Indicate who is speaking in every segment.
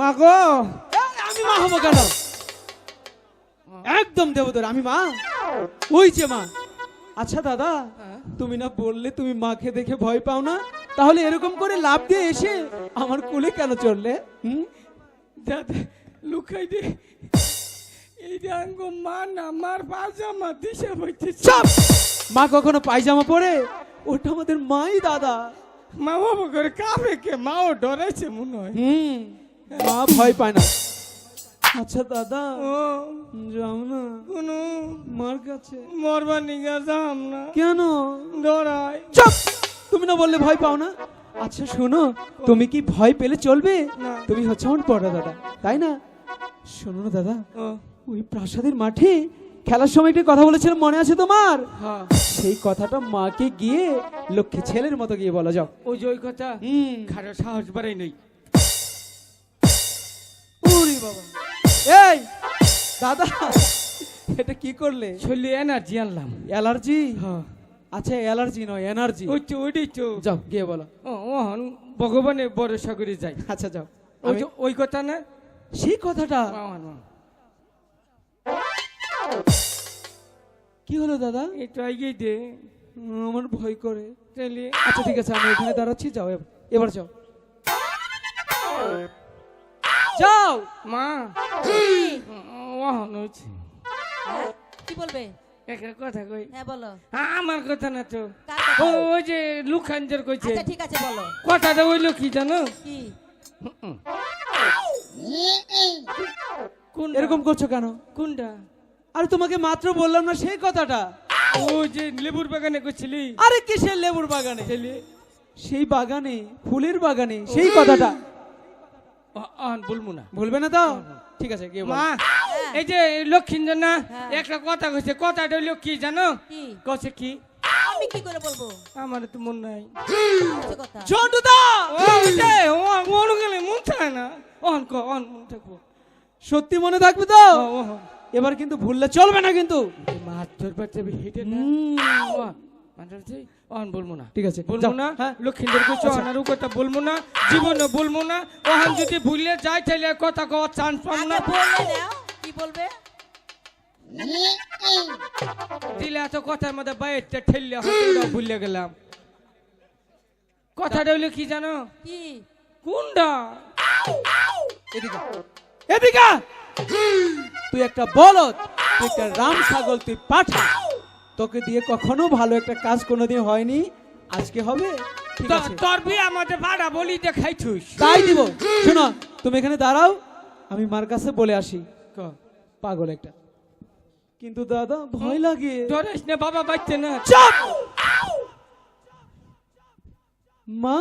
Speaker 1: মা গো,
Speaker 2: আমি মা হবো কেন? একদম দেবদর, আমি মা। ওই যে মা। আচ্ছা দাদা, তুমি না বললে তুমি মাকে দেখে ভয় পাও না, তাহলে এরকম করে লাফ দিয়ে এসে আমার কোলে কেন চললে?
Speaker 1: দাদা লুকাই দে, এই রঙ মা না আমার পাজামা দিশা বইতে।
Speaker 2: চাপ! মা কখনো পায়জামা পরে? ওটা আমাদের মাই দাদা।
Speaker 1: মা বাবা করে কাবে কে, মাও ডরাইছে মনে হয়।
Speaker 2: মা ভয় পায় না। আচ্ছা দাদা,
Speaker 1: ও
Speaker 2: যাও না
Speaker 1: কোনো
Speaker 2: মার কাছে।
Speaker 1: মরবা নিগা যাম না,
Speaker 2: কেন?
Speaker 1: ডরাই।
Speaker 2: চুপ! তুমি না বললে ভয় পাও না? আচ্ছা শোনো, তুমি কি ভয় পেলে চলবে?
Speaker 1: না।
Speaker 2: তুমি হচ্ছে আমার বড় দাদা, তাই না? শোনো না দাদা,
Speaker 1: ও
Speaker 2: ওই প্রাসাদের মাঠে খেলার সময় একটা কথা বলেছিলাম, মনে আছে তোমার?
Speaker 1: হ্যাঁ,
Speaker 2: সেই কথাটা মাকে গিয়ে লক্ষ্মী ছেলের মতো গিয়ে বলা যাও।
Speaker 1: ওই যে ওই কথা খারাপ সাহস বাড়াই নেই।
Speaker 2: ওরে বাবা! এই দাদা, এটা কি করলে?
Speaker 1: শরীরে এনার্জি আনলাম।
Speaker 2: অ্যালার্জি?
Speaker 1: হ্যাঁ,
Speaker 2: আচ্ছা অ্যালার্জি নয়, এনার্জি।
Speaker 1: ওই তো ওইটাই তো।
Speaker 2: যাও গিয়ে বলো।
Speaker 1: ওহন ভগবানের ভরসা করে যাই।
Speaker 2: আচ্ছা যাও।
Speaker 1: ওই যে ওই কথা না,
Speaker 2: সেই কথাটা
Speaker 1: ওহন, ওহন।
Speaker 2: কি হলো দাদা?
Speaker 1: একটু এগিয়ে দে
Speaker 2: আমার ভয় করে।
Speaker 1: তাহলে।
Speaker 2: আচ্ছা ঠিক আছে, আমি এখানে দাঁড়াচ্ছি, যাও এবার যাও। যাও
Speaker 1: মা ওহন হচ্ছে
Speaker 3: কি বলবে?
Speaker 1: একটা কথা কই।
Speaker 3: হ্যাঁ বলো।
Speaker 1: আমার কথা না তো,
Speaker 3: কার কথা?
Speaker 1: ওই যে লুখাঞ্জর কইছে
Speaker 3: আচ্ছা ঠিক আছে বলো।
Speaker 1: কথাটা হইলো কি জানো?
Speaker 3: কি?
Speaker 1: কোনটা?
Speaker 2: এরকম করছো কেন?
Speaker 1: কোনটা?
Speaker 2: আরে তোমাকে মাত্র বললাম না সেই কথাটা।
Speaker 1: ওই যে লেবুর বাগানে কইছিলি।
Speaker 2: আরে কিসের লেবুর বাগানে?
Speaker 1: ছেলে
Speaker 2: সেই বাগানে, ফুলের বাগানে, সেই কথাটা
Speaker 1: বলবো না।
Speaker 2: ভুলবে না তো? ঠিক আছে গিয়ে বলো।
Speaker 1: মা এই যে লক্ষ্মীঞ্জন না
Speaker 3: হ্যাঁ।
Speaker 1: একটা কথা কইছে, কথাটা হইলো কি জানো?
Speaker 3: কি?
Speaker 1: কইছে কি?
Speaker 3: আমি কি করে বলবো?
Speaker 1: আমার তো মন নাই।
Speaker 3: মিথ্যে কথা।
Speaker 2: ঝন্টুদা!
Speaker 1: মন গেলে মন চায় না। অন মন থাকবো।
Speaker 2: সত্যি মনে থাকবে তো?
Speaker 1: ওহন
Speaker 2: এবার কিন্তু ভুললে চলবে না কিন্তু।
Speaker 1: মাছ ধরবার যাবে হেঁটে না। অন বলবো না,
Speaker 2: ঠিক আছে
Speaker 1: বলবো
Speaker 2: যাও।
Speaker 1: না।
Speaker 2: হ্যাঁ।
Speaker 1: লক্ষ্মীদের কিছু অনার কথা বলবো না, জীবনে বলবো না। ওখান যদি ভুলে যায় তাহলে কথা কওয়ার চান্স পাবো
Speaker 3: আগে
Speaker 1: না।
Speaker 3: বললে নাও কি বলবে?
Speaker 1: দিলে এত কথার মধ্যে বাইরে ঠেললে হয়তো ভুলে গেলাম। কথাটা হইলো কি জানো?
Speaker 3: কি?
Speaker 1: কোনটা?
Speaker 2: এদিকে এদিকে! তুই একটা বলদ, তুই একটা রাম ছাগল, তুই পাঠা। তোকে দিয়ে কখনো ভালো একটা কাজ কোনোদিন হয়নি, আজকে হবে। ঠিক আছে,
Speaker 1: তোর বিয়ে আমাদের ভাড়া বলি দেখাইছুস।
Speaker 2: তাই দিব। শোনো, তুমি এখানে দাঁড়াও, আমি মার কাছে বলে আসি। পাগল একটা। কিন্তু দাদা ভয় লাগে।
Speaker 1: ডরিস না, বাবা বাচ্চা না।
Speaker 2: চুপ! মা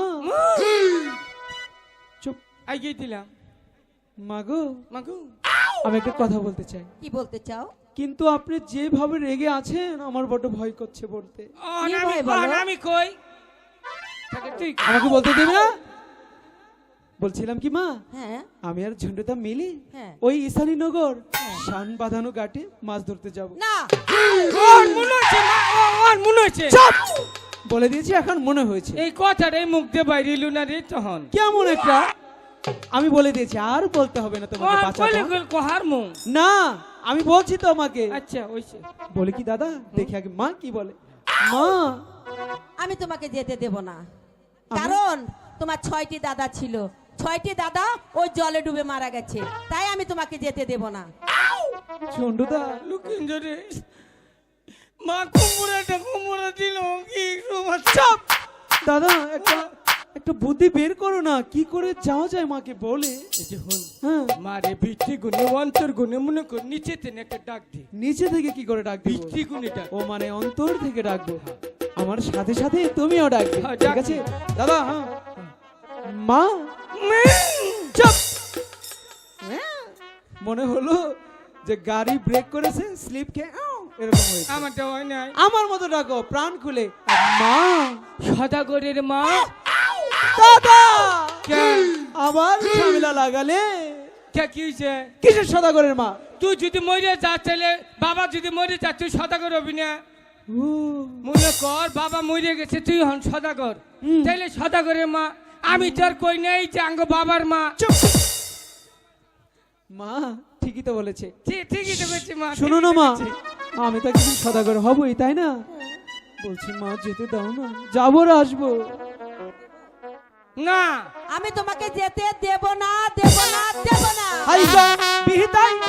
Speaker 2: চুপ।
Speaker 1: আইগিয়ে দিলাম।
Speaker 2: মাগো,
Speaker 1: মাগু
Speaker 2: আমি একটা কথা বলতে চাই,
Speaker 3: কি বলতে চাও?
Speaker 2: কিন্তু আপনি যেভাবে রেগে আছেন আমার বড় ভয় করছে বলতে।
Speaker 3: কি ভয় বলো?
Speaker 1: আমি কই থাকে তুই কই।
Speaker 2: আমাকে বলতে দিবি না? বলছিলাম কি মা,
Speaker 3: হ্যাঁ
Speaker 2: আমি আর ঝন্টুদা মিলি
Speaker 3: হ্যাঁ।
Speaker 2: ওই ঈশানীনগর শান বাঁধানো ঘাটে মাছ ধরতে যাব।
Speaker 3: না
Speaker 1: ওর মনে হচ্ছে মা, ওর মনে হচ্ছে।
Speaker 2: চুপ! বলে দিয়েছি, এখন মনে হয়েছে।
Speaker 1: এই কথাটা এই মুখ দিয়ে বাইরে এলো না রে তখন।
Speaker 2: কেমন একটা, আমি বলে দিয়েছি, আর বলতে হবে না তোমাকে
Speaker 1: ওর
Speaker 2: বাঁচাতে।
Speaker 1: কইলে কইল কোহার মুখ।
Speaker 2: না, আমি বলছি তো আমাকে।
Speaker 1: আচ্ছা ওইছে।
Speaker 2: বলে কি দাদা, দেখি আগে মা কি বলে। মা,
Speaker 3: আমি তোমাকে যেতে দেব না, কারণ তোমার 6টি দাদা ছিল, 6টি দাদা ওই জলে ডুবে মারা গেছে, তাই আমি তোমাকে যেতে দেব না।
Speaker 2: ঝন্টুদা,
Speaker 1: লুকিঞ্জরে মা কুমড়া দিল কি সমস্যা?
Speaker 2: চুপ! দাদা একটা একটা বুদ্ধি বের করো না, কি করে যাওয়া যায় মাকে বলে।
Speaker 1: এই যে হুন
Speaker 2: হ্যাঁ,
Speaker 1: মারে ভিত্তি গুণে অন্তর গুণে মনে কর নিচে তেনে একটা ডাক দি।
Speaker 2: নিচে থেকে কি করে ডাকবো?
Speaker 1: ভিত্তি গুণে ডাক।
Speaker 2: ও মানে অন্তর থেকে ডাকবো, আমার সাথে সাথে তুমিও ডাকবে।
Speaker 1: হ্যাঁ,
Speaker 2: ঠিক
Speaker 1: ডাক।
Speaker 2: আছে দাদা? হ্যাঁ মা। চুপ! মনে হলো যে গাড়ি ব্রেক করেছে, স্লিপ খেয়ে এরকম হয়েছে।
Speaker 1: আমারটা হয় নাই।
Speaker 2: আমার মতো ডাকো প্রাণ খুলে, মা।
Speaker 1: সদাগরের মা।
Speaker 2: দাদা
Speaker 1: কে?
Speaker 2: আবার ঝামেলা লাগালে।
Speaker 1: কে কি হয়েছে?
Speaker 2: কিসের সদাগরের মা?
Speaker 1: তুই যদি মরে যা তাহলে বাবা যদি মরে যা তুই সদাগর হবি না।
Speaker 2: ও,
Speaker 1: মনে কর বাবা মরে গেছে, তুই হন সদাগর, তাইলে সদাগরের মা। আমি তোর কই নাই যে আঙ্গ বাবার মা।
Speaker 2: চুপ! মা ঠিকই তো বলেছে।
Speaker 1: ঠিকই তো করছি মা।
Speaker 2: শোনো না
Speaker 1: ঠিকই তো
Speaker 2: মা,
Speaker 1: করছি।
Speaker 2: আমি তো একদিন সদাগর হবই, তাই না? বলছি মা যেতে দাও না, যাবো আর আসবো।
Speaker 1: না
Speaker 3: আমি তোমাকে যেতে দেব না, দেব না, দেব না।
Speaker 2: হাই বিহিতাই